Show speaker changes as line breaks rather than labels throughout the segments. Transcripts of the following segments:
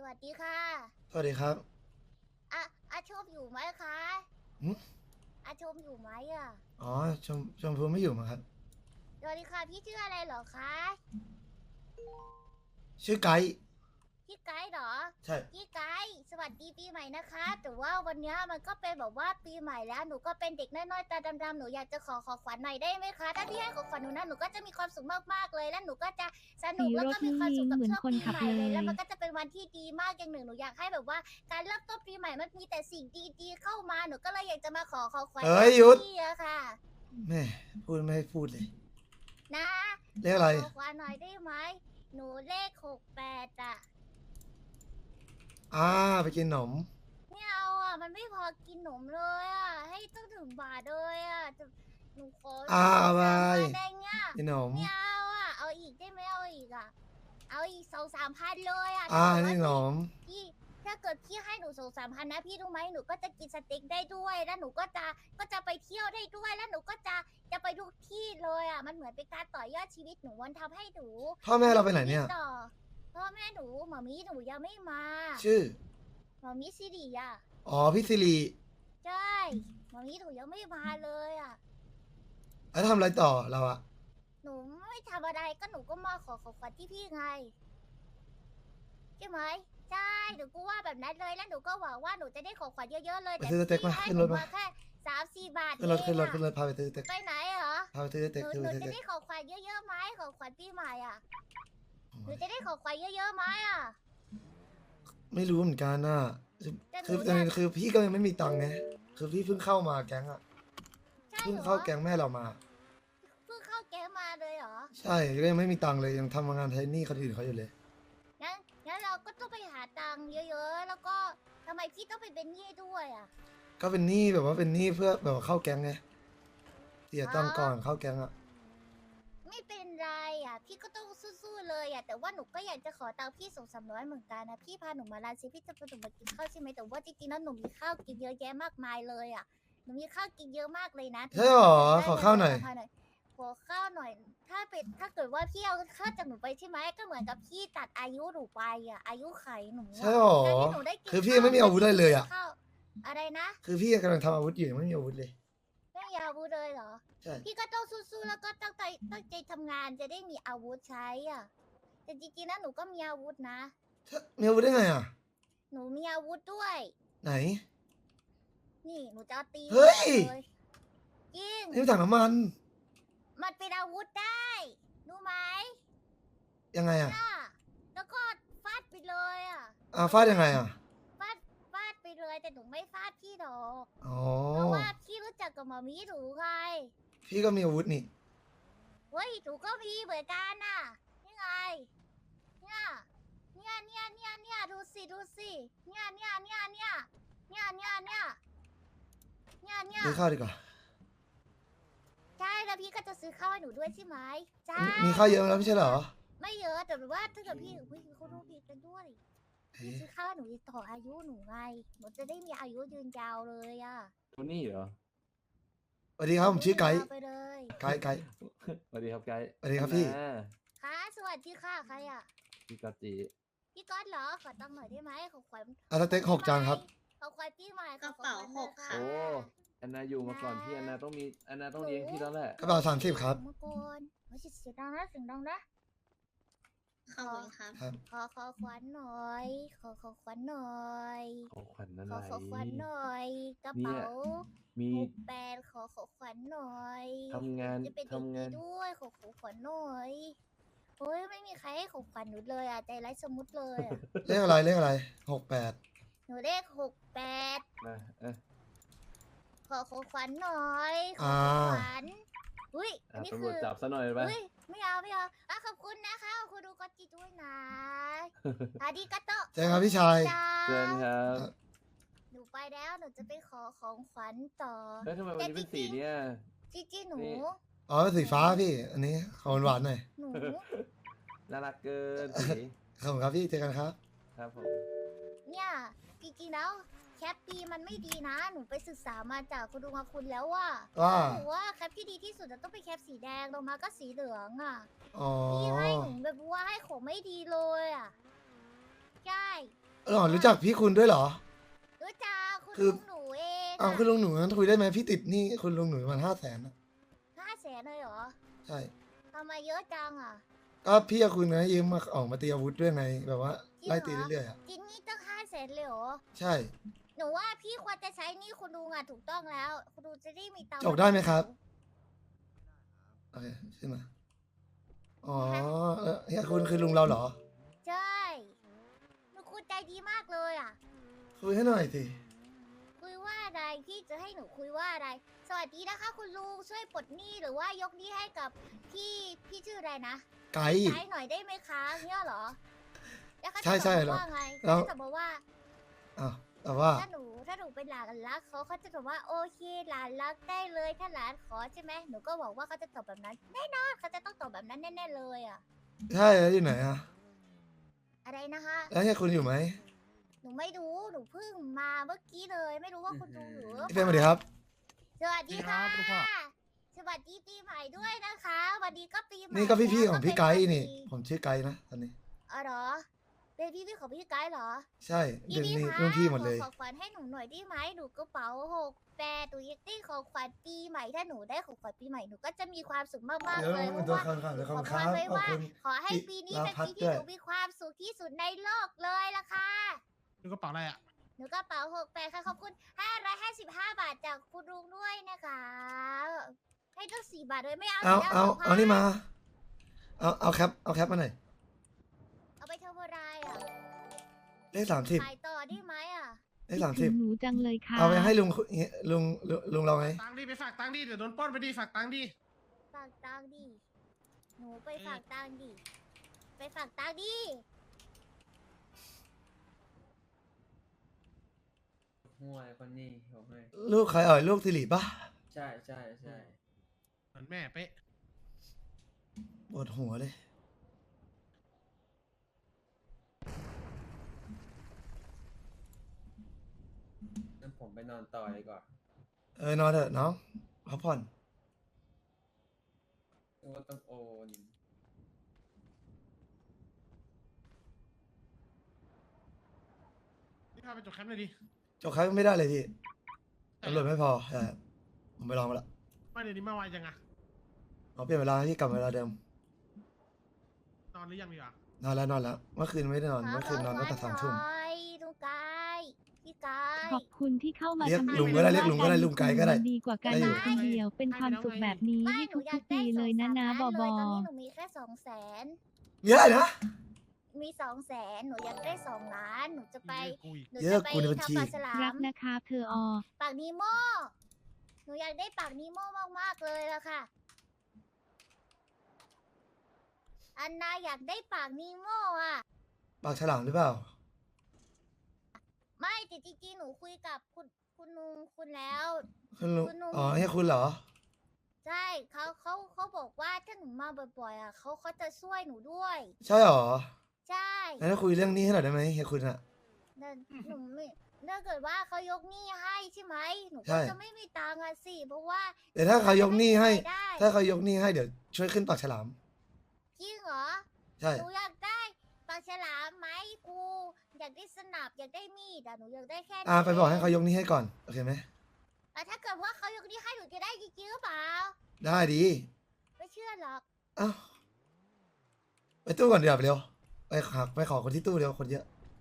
วัสดีค่ะ
สวัสดีครับ
อะอาชมอยู่ไหมคะ
หึ
อาชมอยู่ไหมอ่ะ
อ๋อชมพูไม่อยู่มั้งครับ
สวัสดีค่ะพี่ชื่ออะไรเหรอคะ
ชื่อไกด์
พี่ไกด์เหรอ
ใช่
พี่ไกด์สวัสดีปีใหม่นะคะแต่ว่าวันนี้มันก็เป็นแบบว่าปีใหม่แล้วหนูก็เป็นเด็กน้อยๆตาดำๆหนูอยากจะขอขวัญหน่อยได้ไหมคะถ้าพี่ให้ของขวัญหนูนะหนูก็จะมีความสุขมากๆเลยแล้วหนูก็จะสนุ
สี
กแล้วก็
รถนี้
มีความสุขกับ
เหมือน
ช่วงปี
คนขับเล
ใหม่เลยแล้ว
ย
มันก็จะเป็นวันที่ดีมากอย่างหนึ่งหนูอยากให้แบบว่าการเริ่มต้นปีใหม่มันมีแต่สิ่งดีๆเข้ามาหนูก็เลยอยากจะมาขอขวัญ
เอ้ย
จาก
หยุด
พี่อะค่ะ
แม่พูดไม่ให้พูดเลย
นะ
เรียกอะไร
ขอหน่อยได้ไหมหนูเลข68อ่ะ
ไปกินขนม
ไม่เอาอ่ะมันไม่พอกินหนมเลยอ่ะให้ต้องถึงบาทเลยอ่ะจะหนูขอ
เอาไป
2-3 พันได้เงี้ย
กินขนม
ไม่เอาอ่ะเอาอีกได้ไหมเอาอีกอ่ะเอาอีก2-3 พันเลยอ่ะ
นี่ขนม
พี่ถ้าเกิดพี่ให้หนู2-3 พันนะพี่รู้ไหมหนูก็จะกินสเต็กได้ด้วยแล้วหนูก็จะไปเที่ยวได้ด้วยแล้วหนูก็จะไปทุกที่เลยอ่ะมันเหมือนเป็นการต่อยอดชีวิตหนูวันทำให้หนู
พ่อแม่เราไปไหนเนี่ย
ต่อพ่อแม่หนูหมอมีหนูยังไม่มา
ชื่อ
หมอมีสิริอ่ะ
อ๋อพี่สิริ
ใช่หมอมีหนูยังไม่มาเลยอ่ะ
แล้วทำอะไรต่อเราอะ
หนูไม่ทำอะไรก็หนูก็มาขอขวัญที่พี่ไงใช่ไหมใช่หนูก็ว่าแบบนั้นเลยแล้วหนูก็หวังว่าหนูจะได้ของขวัญเยอะๆเลย
ไป
แต่
ซื้อสเต็ก
พี่ให้
มาขึ้น
หนู
รถมา
มาแค่3-4 บาทเอ
ขึ้นรถขึ้นรถ
งอ่ะ
ขึ้นรถพาไปซื้อสเต็ก
ไปไหนเหรอ
พาไปซื้อส
หนู
เต็กซื้อส
จะ
เต็ก
ได้ของขวัญเยอะๆไหมของขวัญปีใหม่อ่ะหนูจะได้ของขวัญเยอะๆไหมอ่ะ
ไม่รู้เหมือนกันน่ะ
แต่หนู
คือ
อยาก
คือพี่ก็ยังไม่มีตังค์ไงคือพี่เพิ่งเข้ามาแก๊งอะ
ใช่
เพิ่ง
เหรอ
เข้าแก๊งแม่เรามา
เพิ่งเข้าแก๊งมาเลยเหรอ
ใช่ก็ยังไม่มีตังค์เลยยังทำงานไทนี่คนอื่นเขาอยู่เลย
งั้นเราก็ต้องไปหาตังค์เยอะๆ แล้วก็ทำไมพี่ต้องไปเป็นหนี้ด้วยอ่ะ
ก็เป็นหนี้แบบว่าเป็นหนี้เพื่อแบบว่าเข้าแก๊งไงเสียตังค์ก่อน
อ๋อ
เข้าแก๊งอะ
ไม่เป็นไรอ่ะ พี่ก็ต้องสู้ๆเลยอ่ะ แต่ว่าหนูก็อยากจะขอตังค์พี่200-300เหมือนกันนะ พี่พาหนูมาร้านซิพี่จะพาหนูมากินข้าวใช่ไหมแต่ว่าจริงๆแล้วหนูมีข้าวกินเยอะแยะมากมายเลยอ่ะ หนูมีข้าวกินเยอะมากเลยนะ
ใช่หรอ
ได้
ขอข้าวหน่อย
ขอข้าวหน่อย ถ้าเกิดว่าพี่เอาข้าวจากหนูไปใช่ไหมก็เหมือนกับพี่ตัดอายุหนูไปอ่ะ อายุไขหนู
ใช่
อ่ะ
หรอ
การที่หนูได้กิน
คือพี่
ข้าว
ยังไม่มีอาวุธได้เลยอะ
ข้าวอะไรนะ
คือพี่กำลังทำอาวุธอยู่ยังไม่มีอาวุธเลย
ไม่มีอาวุธเลยเหรอ
ใช่
พี่ก็ต้องสู้ๆแล้วก็ตั้งใจทำงานจะได้มีอาวุธใช้อ่ะ แต่จริงๆนะหนูก็มีอาวุธนะ
มีอาวุธได้ไงอะ
หนูมีอาวุธด้วย
ไหน
นี่หนูจะเอาตี
เฮ้ย
เลยจริง
นี่มันถังน้ำมัน
มันเป็นอาวุธได้รู้ไหม
ยังไงอะ
น่ะแล้วก็ฟาดไปเลยอ่ะ
ฟาดยังไงอะ
ฟาดไปเลยแต่หนูไม่ฟาดพี่หรอก
อ๋อ
เพราะว่าพี่รู้จักกับหมอมีหนูไง
พี่ก็มีอาวุธนี่
เฮ้ยหนูก็มีเหมือนกันน่ะนี่ไง เนี่ยเนี่ยดูสิเนี่ย
ซื้อข้าวดีกว่า
ใช่แล้วพี่ก็จะซื้อข้าวให้หนูด้วยใช่ไหมใช่
มีข้าวเยอะแล้วไม่ใช่เหรอ
ไม่เยอะแต่แบบว่าถ้าเกิดพี่อุ้ยเขารู้ดีกันด้วยพี่
เอ๊ะ
ซื้อข้าวให้หนูต่ออายุหนูไงหนูจะได้มีอายุยืนยาวเลยอ่ะ
โทนี่เหรอ
สวัสดีครับผมชื่อไกด์
ไปเลย
ไกด์ไกด์
สวัสดีครับไกด์
สวัสดีครับพี่
อ่า
ค่ะสวัสดีค่ะใครอ่ะ
พี่กอตจิ
พี่ก๊อตเหรอขอตังค์หน่อยได้ไหมขอขวัญ
สเต็ก6 จานครับ
ขอขวัญปีใหม่ขอขวัญ
กระเป๋า
หน่อย
6ค่ะ
โอ้แอนนาอยู่มาก่อนพี่แอนนาต้องมีแอนนาต้องเลี้ยงพี่แล้วแหละ
กระเป๋า30ครับ
เมื่อก่อนเฮ้ยเสียงดังนะเสียงดังนะ
ขอบคุณครับ
ครับ
ขอขวัญหน่อย ขอขวัญหน่อย
ของขวัญอะไร
ขอขวัญหน่อยกระ
เนี่ย
เป๋า
มี
68ขอขวัญหน่อย
ทำงาน
จะเป็นเด็ก
ทำ
ดี
งาน
ด้วยขอขวัญหน่อยโอ้ยไม่มีใครให้ของขวัญหนูเลยอ่ะใจร้ายสมุดเลยอ่ะ
เลขอะไรเลขอะไร68
หนูเลข68
นะเอ๊ะ
ขอขวัญหน่อยขอขวัญอุ้ยอันนี้
ตำร
คื
วจ
อ
จับซะหน่อยไป
อุ้ยไม่เอาอ่ะขอบคุณนะคะขอบคุณดูกอตจิด้วยนะอาดิกาโตะ
เจอกันครับพี่ชาย
เชิญครับ
หนูไปแล้วหนูจะไปขอของขวัญต่อ
แล้วทำไมวันนี้เป็นสีเนี่ย
จีหนู
นี่
อ๋อสีฟ้าพี่ อันนี้ขอหวานๆหน่อย
หนู
น่ารักเกินสี
ขอบคุณครับพี่เจอกันครับ
ครับผม
เนี่ยจริงๆแล้วแคปปีมันไม่ดีนะ หนูไปศึกษามาจากคุณลุงคุณแล้วว่า
ว่า
หนูว่าแคปที่ดีที่สุดจะต้องเป็นแคปสีแดงลงมาก็สีเหลืองอ่ะ
อ๋อ
พี่ให้หนูแบบว่าให้ของไม่ดีเลยอ่ะใช่
หรอรู้จักพี่คุณด้วยเหรอ
รู้จักคุณ
คือ
ลุงหนูเอง
อ้าวคุณลุงหนูงั้นคุยได้ไหมพี่ติดหนี่คุณลุงหนูประมาณ500,000นะ
500,000เลยเหรอ
ใช่
ทำไมเยอะจังอ่ะ
ก็พี่กับคุณนะยืมมาออกมาตีอาวุธด้วยไงแบบว่า
จริงเหรอ
ไล่ตีเรื่อยๆอ่ะ
จริงนี่ตั้ง500,000เลยเหรอ
ใช่
หนูว่าพี่ควรจะใช้หนี่คุณลุงอ่ะถูกต้องแล้ว คุณลุงจะได้มีตังค์
จบได้ไหมครับ โอเคขึ้นมาอ๋อเฮียคุณคือลุงเราเหรอ
ใช่หนูคุณใจดีมากเลยอ่ะ
คุยให้หน่อยสิ
คุยว่าอะไรพี่จะให้หนูคุยว่าอะไร สวัสดีนะคะ คุณลุงช่วยปลดหนี้หรือว่ายกหนี้ให้กับพี่ชื่ออะไรนะ
ไกด์
ใช้หน่อยได้ไหมคะเนี่ยเหรอแล้วเขาจะ
ใช่ใช่
บอกว่าไง
แล้ว
เขาจะบอกว่า
อ้าวแต่ว่า
ถ้าหนูเป็นหลานรักเขาจะบอกว่าโอเคหลานรักได้เลยถ้าหลานขอใช่ไหมหนูก็บอกว่าเขาจะตอบแบบนั้นแน่นอนเขาจะต้องตอบแบบนั้นแน่ๆเลยอ่ะ
ใช่แล้วอยู่ไหนอ่ะ
อะไรนะคะ
แล้วเฮียคุณอยู่ไหม
หนูไม่รู้หนูเพิ่งมาเมื่อกี้เลย ไม่รู้ว่าคุณลุงหรือ
พี่เฟรมสวัสดีครับ
สวัสดีค่ะ
สวัสดีครับ
สวัสดีปีใหม่ด้วยนะคะวันนี้ก็ปีใหม่
นี่ก็พี่ๆ
แล้ว
ของพี่ไกด์นี่
เป็
ผมชื่อไกด์นะตอนนี้
อ๋อเหรอเป็นพี่ของพี่ไกด์เหรอ
ใช่เดี๋ยวนี้
คะ
รุ่นพี่หมดเลย
ขอขวัญให้หนูหน่อยได้ไหมหนูกระเป๋า68หนูอยากได้ของขวัญปีใหม่ถ้าหนูได้ของขวัญปีใหม่หนูก็จะมีความสุขมากๆ
เดี๋ยว
เลย
มัน
เพ
ตัว
ราะว่า
ข้างๆเดี๋ยว
ขอ
ข้าง
พรไว้
ๆขอบ
ว่า
คุณ
ขอให้ปีนี้เป็น
ลาพัด
ปีที่
ด้วย
หนูมีความสุขที่สุดในโลกเลยล่ะค่ะ
ดูกระเป๋าอะไรอ่ะ
หนูกระเป๋า68ค่ะขอบคุณ555 บาทจากคุณลุงด้วยนะคะให้ตั้ง4 บาทเลยไม่เอา
เอา
สิ
เอานี่มา เอาแคปมาหน่อย
เอาไปเทอร์โบไรอ่ะ
เลข30
ขายต่อได้ไหมอ่ะ
เลข
คิดถึงหนูจังเลยค่ะ
30เอาไปให้ลุงเราไง
ตังค์ดิไปฝากตังค์ดิเดี๋ยวโดนปล้นไปดิฝากตังค์ดิ
ฝากตังค์ดิหนูไปฝากตังค์ดิไปฝากตังค์ดิ
ห่วยคนนี้ผมให้
ลูกใครลูกสิริปะ
ใช่ใช่ใช่
เหมือนแม่เป๊ะ
ปวดหัวเลย
งั้นผมไปนอนต่อดีกว่า
นอนเถอะน้องพักผ่อน
นึกว่าต้องโอน
นี่พาไปจดแคมป์เลยดิ
จบครั้งไม่ได้เลยพี่ตำรวจไม่พอใช่ผมไปลองมาละ
ไม่เดี๋ยวนี้มาไวจังอะ
เอาเปลี่ยนเวลาให้พี่กลับเวลาเดิม
นอนหรือยังดีกว่าน
อนแล้วเมื่อคืนไม่ได้นอนเมื่อคืนนอนตั้งแต่3 ทุ่ม
ลุงกายพี่กาย
ขอบคุณที่เข้ามา
เรียก
ทำให้
ลุงก็ได้
รู้
เรียกลุงก็ได้
ว่า
ลุงไกด์ก็ได้
ารดีกว่าการ
ได้
อ
อยู่
ยู่คนเดียว เป็นความสุขแบบนี้
ไม่
ให้
หนูอยาก
ทุกๆปีเลยนะนะบ
ได้
อบ
2-3
อ
ล้านเลยตอนนี้หนูมีแค่200,000
เยอะนะ
มี200,000หนูอยากได้2 ล้านหนูจะไป
กูอีก
หนู
เย
จะ
อะ
ไป
กูในบัญชี
ทำปลาฉลา
รัก
ม
นะคะเธออ
ปากนีโมหนูอยากได้ปากนีโมมากๆเลยละค่ะ อันนาอยากได้ปากนีโมอ่ะ
ปากฉลามหรือเปล่า
ไม่แต่จริงๆหนูคุยกับคุณลุงคุณแล้ว
คุณลุง
คุณลุง
อ๋อให้คุณเหรอ
ใช่เขาบอกว่าถ้าหนูมาบ่อยๆอ่ะเขาจะช่วยหนูด้วย
ใช่เหรอ
ใช่
งั้นคุยเรื่องนี้ให้หน่อยได้ไหมเฮียคุณอะ
แต่หนูไม่ถ้าเกิดว่าเขายกหนี้ให้ใช่ไหมหนู
ใช่
ก็จะไม่มีตังค์อะสิเพราะว่า
แต่ถ้าเขายกหนี้ให้
ได้
ถ้าเขายกหนี้ให้เดี๋ยวช่วยขึ้นปากฉลาม
จริงเหรอ
ใช่
หนูอยากได้ปลาฉลามไหมครูอยากได้สนับอยากได้มีดอะหนูอยากได้แค่นี้
ไปบอกให้เขายกหนี้ให้ก่อนโอเคไหม
แต่ถ้าเกิดว่าเขายกหนี้ให้หนูจะได้จริงๆหรือเปล่า
ได้ดี
ไม่เชื่อหรอก
เอ้าไปตู้ก่อนเดี๋ยวาเร็วไปขอคนที่ตู้เร็วคนเยอะ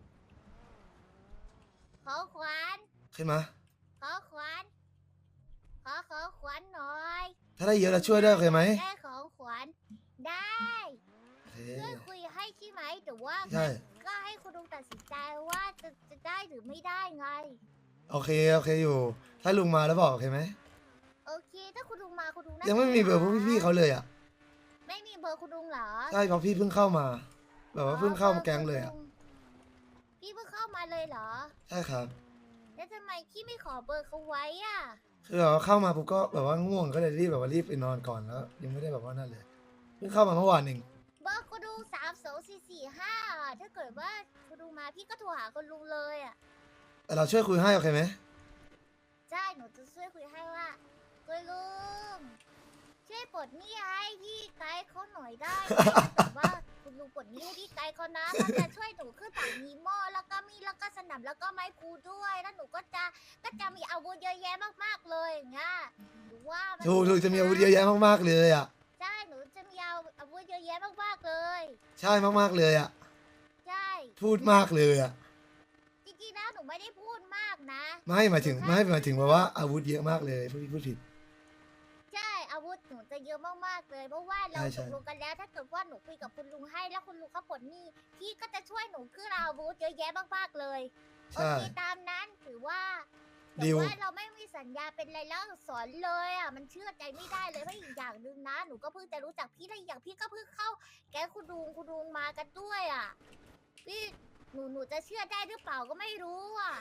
ขอขวัญ
ขึ้นมา
ขอขวัญขอขวัญหน่อย
ถ้าได้เยอะเราช่วยได้โอเคไหม
ได้ของขวัญได้
โอเค
เพื่อนคุยให้ใช่ไหมแต่ว่า
ใช่
ก็ให้คุณลุงตัดสินใจว่าจะได้หรือไม่ได้ไง
โอเคอยู่ ถ้าลุงมาแล้วบอกโอเคไหม
โอเค ถ้าคุณลุงมาคุณลุงน่า
ยังไม่มีเบอร์พวกพี่ๆเขาเลยอ่ะ
ไม่มีเบอร์คุณลุงเหรอ
ใช่เพราะพี่เพิ่งเข้ามา แบบว่าเพิ่งเข้ามาแก๊งเลยอ่ะ
พี่เพิ่งเข้ามาเลยเหรอ
ใช่ครับ
แล้วทำไมพี่ไม่ขอเบอร์เขาไว้อ่ะ
คือแบบว่าเข้ามาปุ๊บก็แบบว่าง่วงก็เลยรีบแบบว่ารีบไปนอนก่อนแล้ว ยังไม่ได้แบบว่านั่นเลย เพิ่งเข้ามาเมื่อวานเอง
เบอร์คุณลุง32445ถ้าเกิดว่าคุณลุงมาพี่ก็โทรหาคุณลุงเลยอ่ะ
แต่เราช่วยคุยให้โอเคไหม
ใช่หนูจะช่วยคุยให้ว่าคุณลุงช่วยปลดหนี้ให้พี่ไกด์เขาหน่อยได้ไหมแต่ว่าคุณคุณลุงปลดหนี้ให้พี่ไกด์เขานะเขาจะช่วยหนูขึ้นฝั่งนีโม่แล้วก็มีดแล้วก็สนับแล้วก็ไม้พลูด้วยแล้วหนูก็จะมีอาวุธเยอะแยะมากๆเลยอย่างเงี้ยหรือว่ามัน
ถูกจะมีอาวุธเยอะแยะมากๆเลยอ่ะ
ใช่หนูจะมีอาวุธเยอะแยะมากๆเลย
ใช่มากๆเลยอ่ะ
ใช่
พูดมากเลยอ่ะ
จริงๆแล้วหนูไม่ได้พูดมากนะ
ไม่หมายถึงแบบว่าอาวุธเยอะมากเลยพูดผิด
ใช่อาวุธหนูจะเยอะมากๆเลยเพราะว่าเรา
ใช่
ตกลงกันแล้วถ้าเกิดว่าหนูคุยกับคุณลุงให้แล้วคุณลุงเขาปลดหนี้พี่ก็จะช่วยหนูขึ้นอาวุธเยอะแยะมากๆเลยโอ
ใช่
เคตามนั้นถือว่าแต่
ดีล
ว่าเราไม่มีสัญญาเป็นไรแล้วสอนเลยอ่ะมันเชื่อใจไม่ได้เลยเพราะอีกอย่างหนึ่งนะหนูก็เพิ่งจะรู้จักพี่และอีกอย่างพี่ก็เพิ่งเข้า แก๊งคุณลุงมากันด้วยอ่ะพี่หนูจะเชื่อได้หรือเปล่าก็ไม่รู้อ่ะ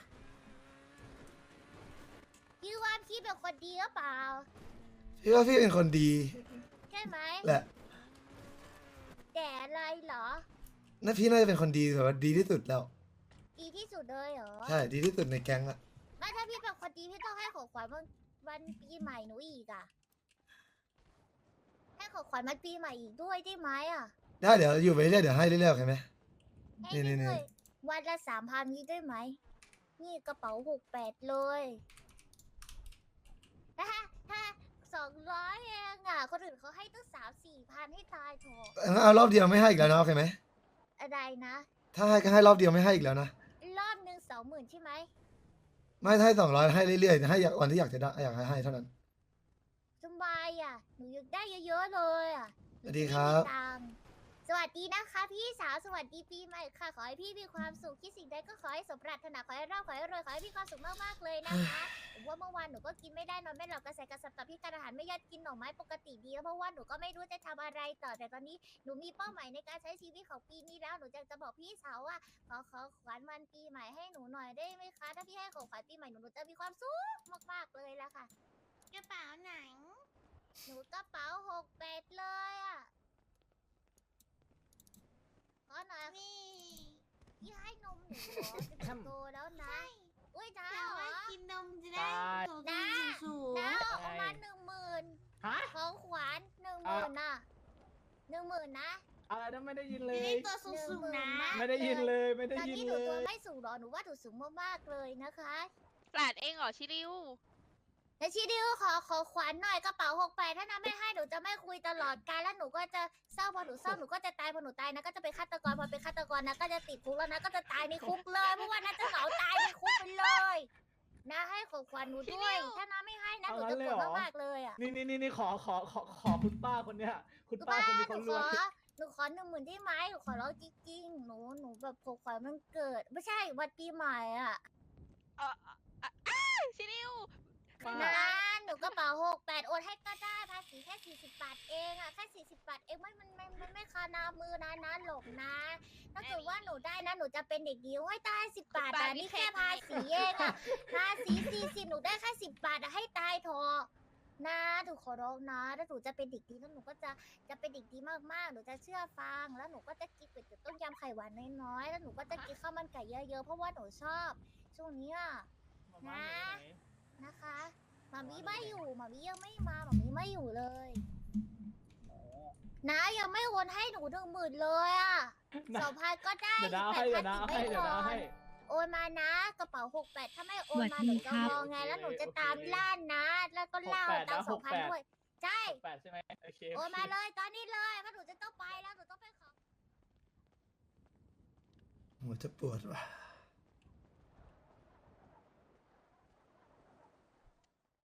พี่ว่าพี่เป็นคนดีหรือเปล่า
พี่ว่าพี่เป็นคนดี
ใช่ไหม
แหละ
แต่อะไรเหรอ
นั่นพี่น่าจะเป็นคนดีแบบว่าดีที่สุดแล้ว
ดีที่สุดเลยเหรอ
ใช่ดีที่สุดในแก๊งอะ
ไม่ถ้าพี่เป็นคนดีพี่ต้องให้ของขวัญวันปีใหม่หนูอีกอ่ะให้ของขวัญวันปีใหม่อีกด้วยได้ไหมอ่ะ
ได้เดี๋ยวอยู่ไปเรื่อยเดี๋ยวให้เรื่อยๆโอเคไหม
ให้
นี่
ด้วยวันละ3,000นี้ได้ไหมนี่กระเป๋า68เลยถ้า200เองอ่ะคนอื่นเขาให้ตั้ง3-4,000ให้ตายเถอะ
งั้นเอารอบเดียวไม่ให้อีกแล้วนะโอเคไหม
อะไรนะ
ถ้าให้ก็ให้รอบเดียวไม่ให้อีกแล้วนะ
รอบหนึ่ง20,000ใช่ไหม
ไม่ถ้าให้200ให้เรื่อยๆให้วันที่อยากจะได้อยากให้เท่านั้น
สบายอ่ะหนูอยากได้เยอะๆเลยอ่ะ
สวัสดีครับ
หนูไม่มีตังค์สวัสดีนะคะพี่สาวสวัสดีปีใหม่ค่ะ ขอให้พี่มีความสุขคิดสิ่งใดก็ขอให้สมปรารถนาขอให้ร่ำขอให้รวยขอให้มีความสุขมากๆเลยนะคะผมว่าเมื่อวานหนูก็กินไม่ได้นอนไม่หลับกระแสกระสับต่อพี่การอาหารไม่ยอดกินหน่อไม้ปกติดีแล้วเพราะว่าหนูก็ไม่รู้จะทำอะไรต่อแต่ตอนนี้หนูมีเป้าหมายในการใช้ชีวิตของปีนี้แล้วหนูจะบอกพี่สาวว่าขอขวัญวันปีใหม่ให้หนูหน่อยได้ไหมคะถ้าพี่ให้ของขวัญปีใหม่หนูจะมีความสุขมากๆเลยละค่ะกระเป๋าไหนหนูกระเป๋า68เลยอ่ะ ขอหน่อยพี่ให้นมหนูเหรอจะโตแล้วนะ อุ้ยน้าเหรอ
กินนมจะได้โต
น้า
สูง
น้าเอามา10,000
ฮะ
ของขวัญ10,000น่ะ10,000นะ
อะไรนะไม่ได้ยินเล
จะ
ย
ได้ตัวสูงๆนะ
ไม่ได้ยินเลยไม่ได้
ตอน
ยิน
นี้ห
เล
นูตัวย ไม่สูงหรอหนูว่าหนูสูงมากๆเลยนะคะ
หลานเองเหรอชิริว
แล้วชีดิวขอขวัญหน่อยกระเป๋า68ถ้าน้าไม่ให้หนูจะไม่คุยตลอดกาลแล้วหนูก็จะเศร้าพอหนูเศร้าหนูก็จะตายพอหนูตายนะก็จะเป็นฆาตกรพอเป็นฆาตกรนะก็จะติดคุกแล้วนะก็จะตายในคุกเลยเพราะว่าน่าจะเหงาตายในคุกไปเลยนะให้ของขวัญหนูด้วยถ้าน้าไม่ให้นะหนูจะโกรธมากๆเลยอ่ะ
นี่ขอคุณป้าคนเนี้ยคุณ
หนู
ป้า
บ้า
คนนี้
ห
เขา
นู
ร
ข
ว
อย หนูขอ10,000ได้ไหมหนูขอร้องจริงๆหนูแบบของขวัญมันเกิด ไม่ใช่วันปีใหม่อ่ะ
ชิริว
ป้า
นะหนูกระเป๋า68โอนให้ก็ได้ภาษีแค่40 บาทเองอ่ะแค่40 บาทเองไม่คานามือนะหลบนะ ถ้าเกิดว่าหนูได้นะหนูจะเป็นเด็กดีโอ้ยตาย10 บาทแต่นี่แค่ภาษีเองอ่ะภาษี40หนูได้แค่10 บาทอะให้ตายเถอะนะหนูขอร้องนะถ้าหนูจะเป็นเด็กดีแล้วหนูก็จะเป็นเด็กดีมากๆหนูจะเชื่อฟังแล้วหนูก็จะกินก๋วยเตี๋ยวต้มยำไข่หวานน้อยๆแล้วหนูก็จะกินข้าวมันไก่เยอะๆเพราะว่าหนูชอบช่วงนี้อะนะคะหมามีไม่อยู่หมามียังไม่มาหมามีไม่อยู่เลยนะยังไม่โอนให้หนู10,000เลยอ่ะ 2,000ก็ได้
เดี๋ยวดาวให้เดี๋ยวดาวให้เดี๋ยวดาวให้
โอนมานะกระเป๋า68ถ้าไม่โอนมา
สวัส
ห
ดี
นูจะ
ครับ
มองไงแล้วหนูจะตามล่านะ แล้วก็ล่า
68
ตาม
นะ
2,000
68
ด้วยใช่
8ใช่ไหมโอเค
โอนมาเลยตอนนี้เลยเพราะหนูจะต้องไปแล้วหนูต้องไปขอ
หัวจะปวดว่ะ